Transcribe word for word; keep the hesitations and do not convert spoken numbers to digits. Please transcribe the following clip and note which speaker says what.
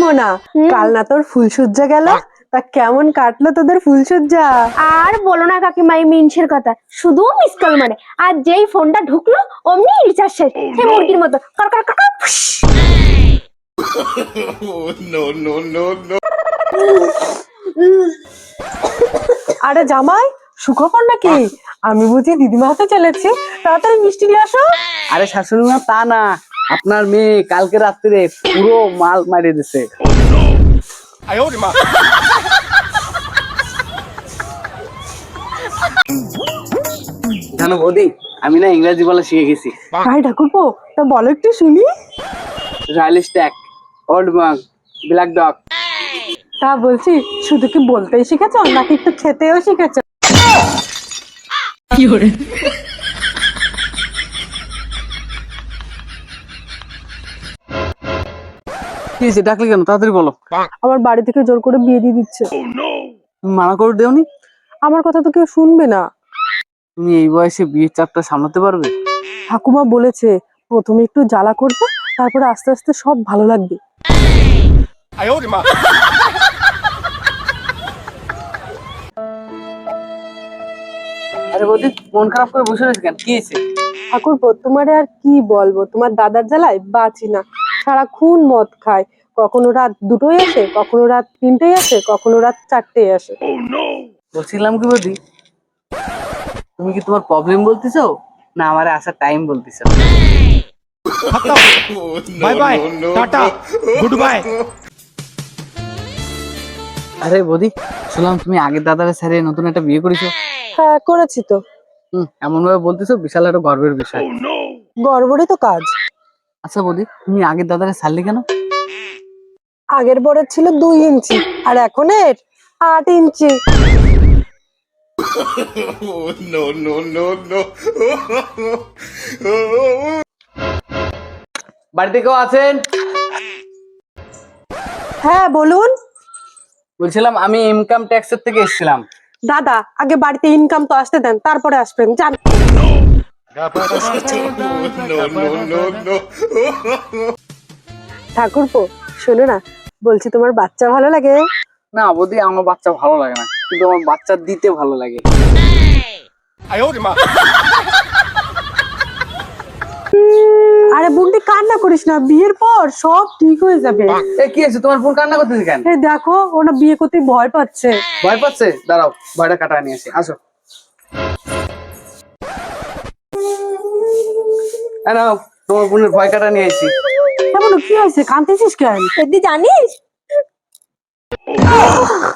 Speaker 1: মোনা, কাল না তোর ফুলসজ্জা গেল, তা কেমন কাটলো তোদের ফুলসজ্জা?
Speaker 2: আর বলো না কাকিমা, এই মিনসের কথা, শুধু মিস কল মারে, আর যেই ফোনটা ঢুকলো অমনি রিচার্জ শেষ, সেই মুরগির মতো কর কর কর কর, ফুস।
Speaker 3: no, no, no, no.
Speaker 1: আরে জামাই, সুখবর নাকি? আমি বুঝি দিদিমা হাতে চলেছি, তাড়াতাড়ি মিষ্টি নিয়ে আসো।
Speaker 4: আরে শাশুড়ি মা, তা না, আপনার মেয়ে কালকে রাত্রে পুরো মাল মারিয়ে দিছে। জানো বৌদি, আমি না ইংরেজি বলা শিখে গেছি।
Speaker 1: ভাই ঠাকুরপো, তা বলো একটু শুনি।
Speaker 4: Royal Stag, Old Monk, Black Dog.
Speaker 1: তা বলছি, শুধু কি বলতেই শিখেছো নাকি একটু খেতেও শিখেছো?
Speaker 4: কি হয়েছে, ডাকলে কেন? তাড়াতাড়ি বলো।
Speaker 1: আমার বাড়ি থেকে জোর করে বিয়ে দিয়ে দিচ্ছে।
Speaker 4: তুমি মানা করে দেওনি?
Speaker 1: আমার কথা তো কেউ শুনবে না।
Speaker 4: তুমি এই বয়সে বিয়ের চাপটা সামলাতে পারবে?
Speaker 1: ঠাকুমা বলেছে প্রথমে একটু জ্বালা করবে, তারপরে আস্তে আস্তে সব ভালো লাগবে।
Speaker 4: আরে বৌদি, মন খারাপ করে বসে রয়েছে কেন? কি হয়েছে?
Speaker 1: ঠাকুরপো, তোমারে আর কি বলবো, তোমার দাদার জ্বালায় বাঁচি না। সারাক্ষণ মদ খায়, কখনো রাত দুটোই আসে, কখনো রাত তিনটেই আসে, কখনো রাত চারটেই আসে।
Speaker 4: বলছিলাম কি বৌদি, তুমি কি তোমার প্রবলেম বলতেছো না আমার আসার টাইম বলতেছো?
Speaker 3: Bye bye. Tata. Goodbye.
Speaker 4: আরে বৌদি, শুনলাম তুমি আগের দাদারে ছেড়ে নতুন একটা বিয়ে করেছো।
Speaker 1: হ্যাঁ, করেছি তো।
Speaker 4: হুম, এমন ভাবে বলতেছো, বিশাল একটা গর্বের বিষয়।
Speaker 1: গড়বড়ই তো কাজ।
Speaker 4: আচ্ছা বৌদি, তুমি আগের দাদারে ছাড়লে কেন?
Speaker 1: আগের বরের ছিল দুই ইঞ্চি, আর এখনের আট ইঞ্চি।
Speaker 3: no, no, no, no.
Speaker 4: বাড়িতে কেউ আছেন?
Speaker 1: হ্যাঁ বলুন।
Speaker 4: বলছিলাম আমি ইনকাম ট্যাক্সের থেকে এসেছিলাম।
Speaker 1: দাদা, আগে বাড়িতে ইনকাম তো আসতে দেন, তারপরে আসবেন, জান।
Speaker 3: no, no, no, no.
Speaker 1: ঠাকুরপো, শোনো না, বলছি তোমার বাচ্চা ভালো লাগে?
Speaker 4: না বৌদি, আমার বাচ্চা ভালো লাগে না, কিন্তু আমার বাচ্চা দিতে ভালো লাগে।
Speaker 1: আরে বুনটি, কান্না করিস না, বিয়ের পর সব ঠিক হয়ে যাবে।
Speaker 4: এ কি আছে, তোমার বোন কান্না করতেছে কেন?
Speaker 1: এই দেখো, ওরা বিয়ে করতে ভয় পাচ্ছে।
Speaker 4: ভয় পাচ্ছে? দাঁড়াও, ভয়টা কাটায় নিয়ে আসি, আসো। এই নাও, তোমার বোনের ভয় কাটা নিয়ে আসি।
Speaker 1: কেমন, কি হয়েছে, কাঁদতেছিস কেন?
Speaker 2: তুই জানিস